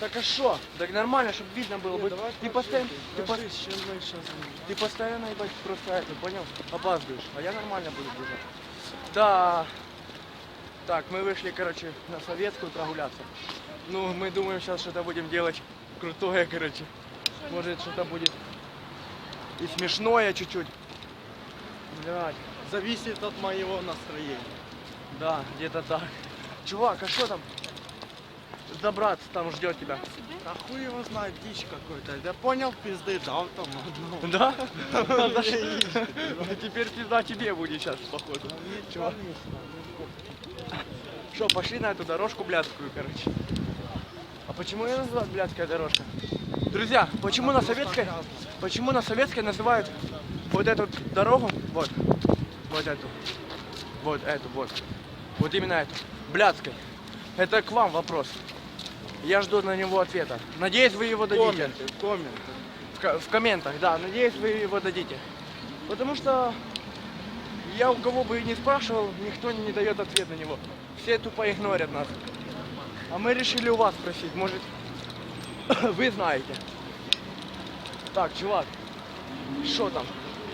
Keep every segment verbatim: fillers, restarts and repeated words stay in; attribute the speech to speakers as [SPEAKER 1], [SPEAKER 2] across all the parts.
[SPEAKER 1] Так а что? Так нормально, чтобы видно было.
[SPEAKER 2] Не,
[SPEAKER 1] Быть.
[SPEAKER 2] давай
[SPEAKER 1] Ты
[SPEAKER 2] покажи,
[SPEAKER 1] постоянно, ты,
[SPEAKER 2] покажи,
[SPEAKER 1] по-
[SPEAKER 2] с чем мы сейчас
[SPEAKER 1] ты постоянно, ебать, просто это, понял? Опаздываешь. А я нормально буду бежать. Да. Так, мы вышли, короче, на Советскую прогуляться. Ну, мы думаем, сейчас что-то будем делать крутое, короче. Может, что-то будет и смешное чуть-чуть. Блядь.
[SPEAKER 2] зависит от моего настроения.
[SPEAKER 1] Да, где-то так. Чувак, а что там? Добраться там ждет тебя.
[SPEAKER 2] А хуй его знает, дичь какой-то. Я понял, пизды дал там одну.
[SPEAKER 1] Да? Теперь пизда тебе будет сейчас, походу. Чувак. Что, пошли на эту дорожку блядскую, короче. А почему ее называют блядская дорожка? Друзья, почему на Советской, почему на Советской называют вот эту дорогу, вот, вот эту, вот эту, вот, вот именно эту, блядской? Это к вам вопрос. Я жду на него ответа. Надеюсь, вы его дадите.
[SPEAKER 2] Комменты, комменты.
[SPEAKER 1] В, ко- в комментах, да. Надеюсь, вы его дадите. Потому что я у кого бы и не спрашивал, никто не дает ответ на него. Все тупо игнорят нас. А мы решили у вас спросить. Может, вы знаете. Так, чувак, что там?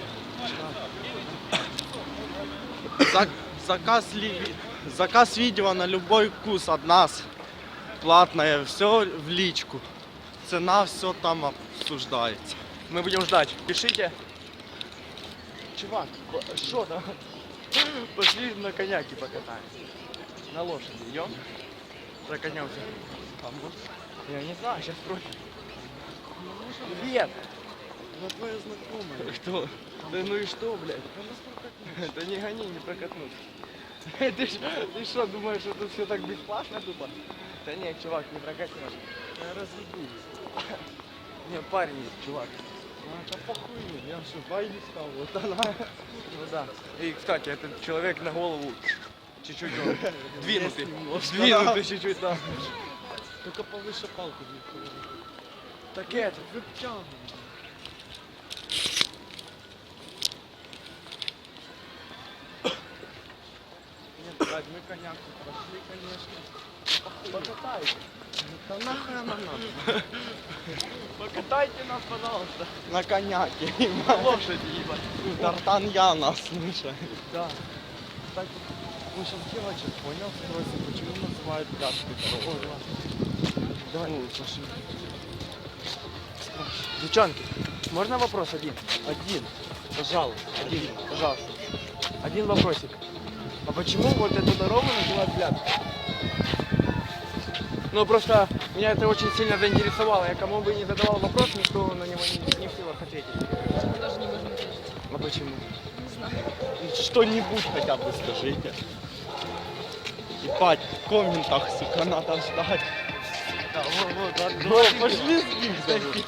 [SPEAKER 2] Зак- заказ, ли- заказ видео на любой вкус от нас. Платное, все в личку. Цена, все там обсуждается.
[SPEAKER 1] Мы будем ждать. Пишите. Чувак, что там? Пошли на коняке покатаемся. На лошади идем? Прокатнемся. Я не знаю, сейчас спросим. Привет!
[SPEAKER 2] Ну, твоя знакомая.
[SPEAKER 1] Кто? Да ну и что, блядь? Да не гони, не прокатнуть. Ты ж- ты что, думаешь, что тут все так бесплатно тупо? Да нет, чувак, не прокатнешь.
[SPEAKER 2] Я разъебу.
[SPEAKER 1] Не, парень есть, чувак.
[SPEAKER 2] А, да похуй, я что, байли стал, вот она.
[SPEAKER 1] Ну да. И, кстати, этот человек на голову чуть-чуть он двинутый.
[SPEAKER 2] Есть немножко,
[SPEAKER 1] Двинутый чуть-чуть, да.
[SPEAKER 2] Только повыше палку не положи.
[SPEAKER 1] Так это.
[SPEAKER 2] Выпчал. Нет, блядь, мы коняк тут пошли, конечно.
[SPEAKER 1] Покатайте.
[SPEAKER 2] Да нахуй она надо?
[SPEAKER 1] Покатайте нас, пожалуйста.
[SPEAKER 2] На коняке.
[SPEAKER 1] На лошади, ебать.
[SPEAKER 2] Д'Артаньяна, слушай.
[SPEAKER 1] Да.
[SPEAKER 2] Кстати, мы сейчас девочек, понял, спросим, почему называют пляжкой дорогу. Давай, ну, пошли.
[SPEAKER 1] Девчонки, можно вопрос один?
[SPEAKER 2] Один, пожалуйста.
[SPEAKER 1] Один, пожалуйста. Один вопросик. А почему вот эту дорогу называют Блядской? Ну просто меня это очень сильно заинтересовало. Я кому бы не задавал вопрос, никто на него не, не в силах ответить.
[SPEAKER 3] Даже не можем ответить.
[SPEAKER 1] А почему?
[SPEAKER 3] Не знаю.
[SPEAKER 2] Что-нибудь хотя бы скажите. Ебать, в комментах, сука, надо ждать.
[SPEAKER 1] Да, вот, вот, да,
[SPEAKER 2] Ну, пошли с ним зайти.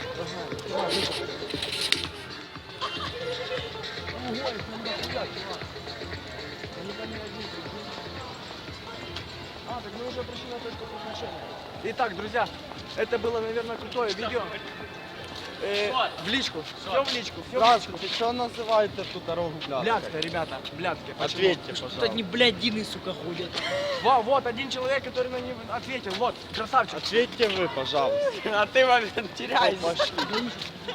[SPEAKER 1] А, так мы уже пришли на точку превращения. Итак, друзья, это было, наверное, крутое видео. Э, в личку. Все в личку, все в личку.
[SPEAKER 2] Здравствуйте, что называют эту дорогу Блядской?
[SPEAKER 1] Блядская, ребята, блядская. Почему?
[SPEAKER 2] Ответьте,
[SPEAKER 3] Тут
[SPEAKER 2] пожалуйста.
[SPEAKER 3] одни блядины, сука, ходят.
[SPEAKER 1] Во, вот один человек, который на него ответил. Вот, красавчик.
[SPEAKER 2] Ответьте вы, пожалуйста.
[SPEAKER 1] А ты момент теряешь.
[SPEAKER 2] Ну, пошли.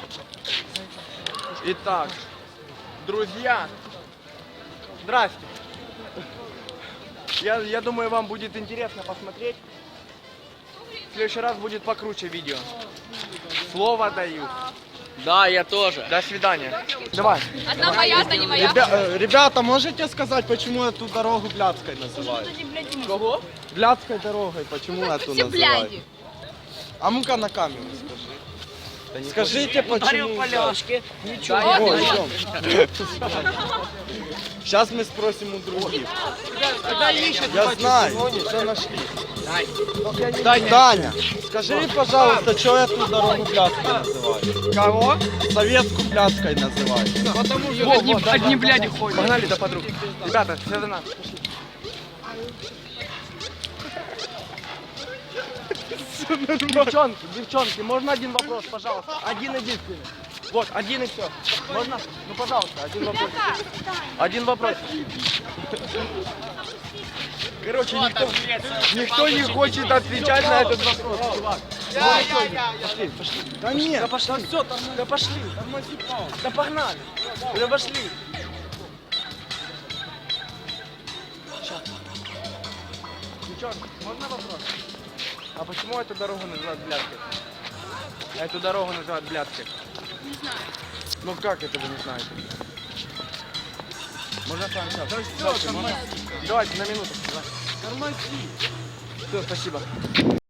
[SPEAKER 1] Итак, друзья, здрасте. Я, я думаю, вам будет интересно посмотреть. В следующий раз будет покруче видео. Слово даю.
[SPEAKER 3] Да, я тоже.
[SPEAKER 1] До свидания. Давай.
[SPEAKER 4] Одна моя, одна не моя.
[SPEAKER 2] Ребя- э, ребята, можете сказать, почему эту дорогу Блядской называют?
[SPEAKER 1] Кого?
[SPEAKER 2] Блядской дорогой, почему эту
[SPEAKER 4] Все
[SPEAKER 2] называют?
[SPEAKER 4] бляди.
[SPEAKER 2] А ну-ка на камеру скажи. Скажите,
[SPEAKER 3] Ударил
[SPEAKER 2] почему...
[SPEAKER 3] по ляжке. Ничего.
[SPEAKER 2] О,
[SPEAKER 4] Вот,
[SPEAKER 2] идем. Сейчас мы спросим у других. Я знаю, все нашли. Таня, скажи, пожалуйста, что эту дорогу Блядской называют?
[SPEAKER 1] Кого?
[SPEAKER 2] Советскую Блядской называют.
[SPEAKER 3] Потому что одни, одни бляди ходят.
[SPEAKER 1] Погнали до подруг. Ребята, все за нас. Девчонки, девчонки, можно один вопрос, пожалуйста? Один единственный. Вот, один и все. Можно? Ну, пожалуйста, один вопрос. Один вопрос. Короче, никто, никто не хочет отвечать на этот вопрос, чувак. Пошли, пошли. Да нет, да пошли. Да все, да пошли. Да погнали. Да пошли. Сейчас. Девчонка, можно вопрос? А почему эту дорогу называют Блядской? Эту дорогу называют Блядской.
[SPEAKER 4] Не знаю.
[SPEAKER 1] Ну как это вы не знаете? Можно с вами сейчас? Да все, Давайте на минуту. Все, спасибо.